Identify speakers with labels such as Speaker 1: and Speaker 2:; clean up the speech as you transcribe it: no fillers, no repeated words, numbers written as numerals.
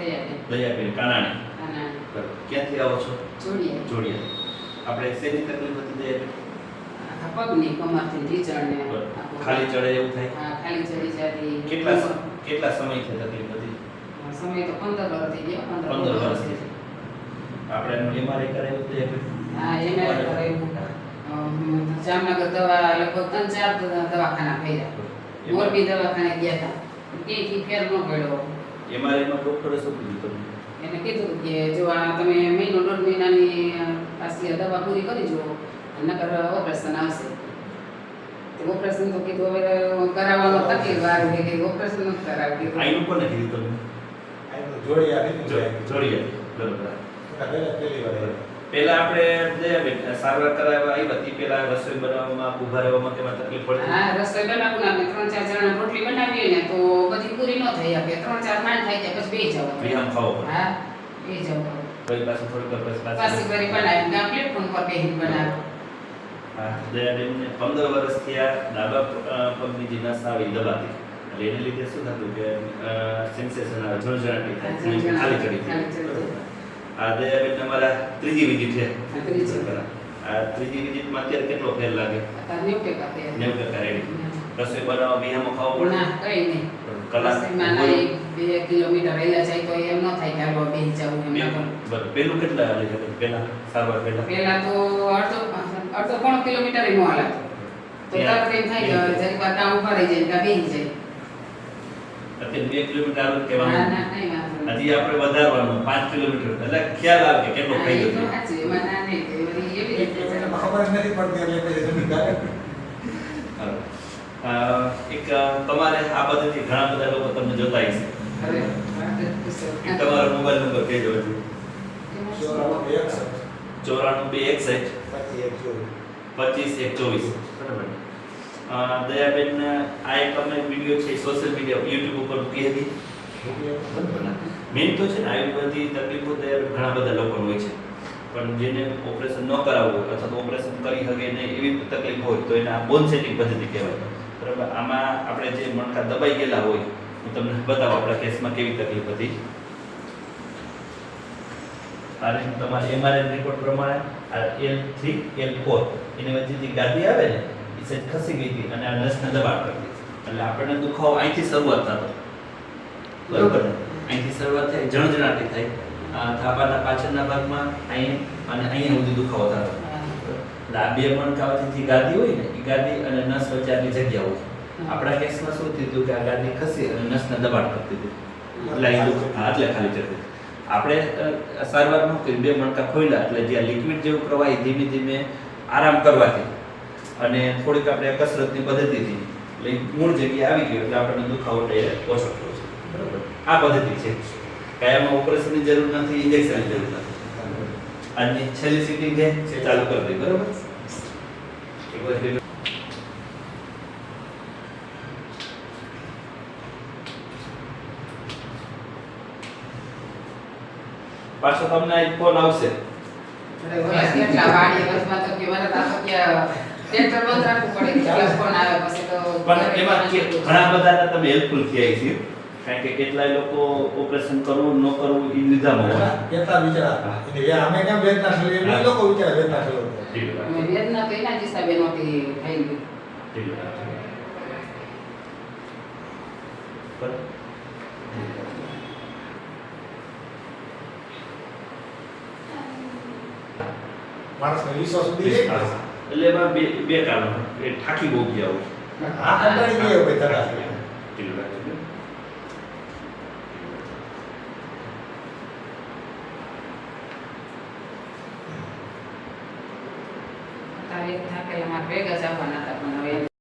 Speaker 1: દયાબેન કાનાણી. બરાબર. ક્યાંથી આવો છો? જોડિયા. આપણે શેની તકલીફ હતી દયાબેન?
Speaker 2: પગની કમરથી ઢીચણ ને
Speaker 1: ખાલી ચડે એવું થાય?
Speaker 2: હા, ખાલી ચડી જતી.
Speaker 1: કેટલા સમયથી તકલીફ હતી?
Speaker 2: સમય તો 15 વર્ષ થઈ ગયા.
Speaker 1: 15 વર્ષથી. આપણે એમઆરઆઈ કરાવ્યું દયાબેન?
Speaker 2: હા, એમઆરઆઈ કરાવ્યું. જામનગર દવા લગભગ 3-4 દવાખાના ફર્યા. મોરબી દવાખાને ગયા હતા. ક્યાંયથી ફેર ન પડ્યો.
Speaker 1: એમઆરઆઈમાં ડોક્ટરે શું કીધું તમને?
Speaker 2: એને કીધું કે જો આ તમે મહિનો 1.5 મહિનાની પાછી દવા પૂરી કરી જુઓ, નકર ઓપરેશન આવશે. તો ઓપરેશન તો કીધું હવે કરાવવામાં તકલીફ વાળું કે ઓપરેશન નથી કરાવ્યું.
Speaker 1: આઈનું કોને કીધું તમને? જોડિયા. બરોબર. પહેલા આપણે દયાબેન સારવાર કરાવવા આવી હતી, પહેલા રસોઈ બનાવવામાં ઉભા રહેવામાં કેમાં તકલીફ પડતી?
Speaker 2: હા, રસોઈ બનાવવું આપણે 3-4 જણા રોટલી બનાવીએ ને તો બધી પૂરી ન થઈ શકે. 3-4 માંડ થઈ જાય પછી બેસી જવું.
Speaker 1: વિહામ ખાવો પડે.
Speaker 2: હા, બેસી જવું.
Speaker 1: પછી પાછું થોડીક વાર પછી
Speaker 2: પાછી કરી બનાવી ગામ પ્લેટફોર્મ પર બેસીને બનાવે.
Speaker 1: હા, દયાબેનને 15 વર્ષથી આ ડાબા પગની જે નસ આવી દબાતી, એટલે એને લીધે શું થતું કે સેન્સેશન આવે, ઝણઝણાટી થાય, ખાલી ચડી જાય. આ દયાબેન તમારા ત્રીજી વિઝિટ છે. આ ત્રીજી વિઝિટમાં અત્યારે કેટલો ફેર લાગે? 90% રેડી. રસોઈ બનાવવા વિહામો ખાવો પડે?
Speaker 2: ના, કઈ નહીં.
Speaker 1: કલાક
Speaker 2: 2 કિલોમીટર રહેલા જાય તો એમ ન થાય કે હાલો બેસી જવું એમ.
Speaker 1: બરાબર. પેલું કેટલા હાલે છે? પહેલા સારવાર
Speaker 2: પહેલા તો અડધો કિલોમીટર નો હાલાતો. તો તરત એમ થાય કે જરી વાર કામ ઉભા રહી જાય કે બેસી જાય.
Speaker 1: અત્યારે 2 કિલોમીટર હાલો કહેવાનું.
Speaker 2: ના, કઈ વાંધો નહીં.
Speaker 1: હજી આપણે વધારવાનું 5 કિલોમીટર, એટલે ખ્યાલ આવે કે કેટલો થઈ
Speaker 2: એ તો
Speaker 1: ગયો.
Speaker 2: સાચું, એમાં ના નહીં કે એવી રીતે
Speaker 3: ખબર જ નથી પડતી
Speaker 1: એક તમારે આ પદ્ધતિ ઘણા બધા લોકો તમને જોતા હશે.
Speaker 2: હવે
Speaker 1: એક તમારો મોબાઈલ નંબર કહેજો હજુ. 94 261 25 બરાબર. દયાબેન આ એક અમે વિડીયો છે સોશિયલ મીડિયા YouTube ઉપર મૂકી હતી. મેન તો છે ને આવી બધી તકલીફો ઘણા બધા લોકોને હોય છે, પણ જેને ઓપરેશન ન કરાવવું હોય અથવા તો ઓપરેશન કરી શકે નહીં એવી તકલીફ હોય તો એને આ બોન સેટિંગ પદ્ધતિ કહેવાય. બરાબર. આમાં આપણે જે મણકા દબાઈ ગયેલા હોય, હું તમને બતાવું આપણા કેસમાં કેવી તકલીફ હતી. આ રીતે તમારે એમઆરઆઈ રિપોર્ટ પ્રમાણે આ L3 L4 એની વચ્ચે જે ગાદી આવે ને એ સેજ ખસી ગઈ હતી અને આ નસને દબાણ કરી દીધી. એટલે આપણને દુખાવો અહીંથી શરૂઆત થતો. બરોબર ને? અહીંથી શરૂઆત થાય, ઝણઝણાટી થાય, થાપાના પાછળના ભાગમાં અહીં અને અહીંયા સુધી દુખાવો થતો. એટલે આ બે મણકા વચ્ચે જે ગાદી હોય ને એ ગાદી અને નસ વચ્ચે આટલી જગ્યા હોય. આપણા કેસમાં શું થયું હતું કે આ ગાદી ખસી અને નસને દબાણ કરતી હતી, એટલે અહીં એટલે ખાલી ચડતી. આપણે સારવાર ન કરી, બે મણકા ખોલ્યા એટલે જે લિક્વિડ જેવું પ્રવાહી ધીમે ધીમે આરામ કરવાથી અને થોડીક આપણે કસરતની પદ્ધતિથી એટલે મૂળ જગ્યાએ આવી ગયો એટલે આપણને દુખાવો ઓછો થયો છે. બરાબર. આ પદ્ધતિ છે. કાયમાં ઓપરેશનની જરૂર નથી, ઇન્જેક્શનની જરૂર નથી. આજની છેલ્લી સીટિંગ છે, ચાલુ કરી દઈએ. બરાબર. એક વાર પાછો તમને એક ફોન આવશે.
Speaker 2: કેટલા વાડી વર્ષમાં તો કેવાના તા તો કે ટ્રેક્ટર બંધ રાખવું પડે કે ફોન આવે પછી તો
Speaker 1: પણ એમાં ઘણા બધાને તમે હેલ્પફુલ થયા છે, કારણ કે કેટલાય લોકો ઓપરેશન કરવું ન કરવું એ વિધામાં હોય.
Speaker 3: કેટલા વિચારા એટલે અમે કેમ વેદના થયો એ લોકો વિચારે વેદના થયો.
Speaker 2: વેદના તો એના જ હિસાબે નહોતી થઈ ગઈ.
Speaker 3: માણસને વિશ્વાસ સુધી
Speaker 1: એટલે એમાં બે કારણો, એ થાકી બહુ ગયા હોય.
Speaker 3: આ કંટાળી ગયો ભાઈ તરત.
Speaker 2: તારે થાકેલા મારે ભેગા જ આવવાના હતા પણ હવે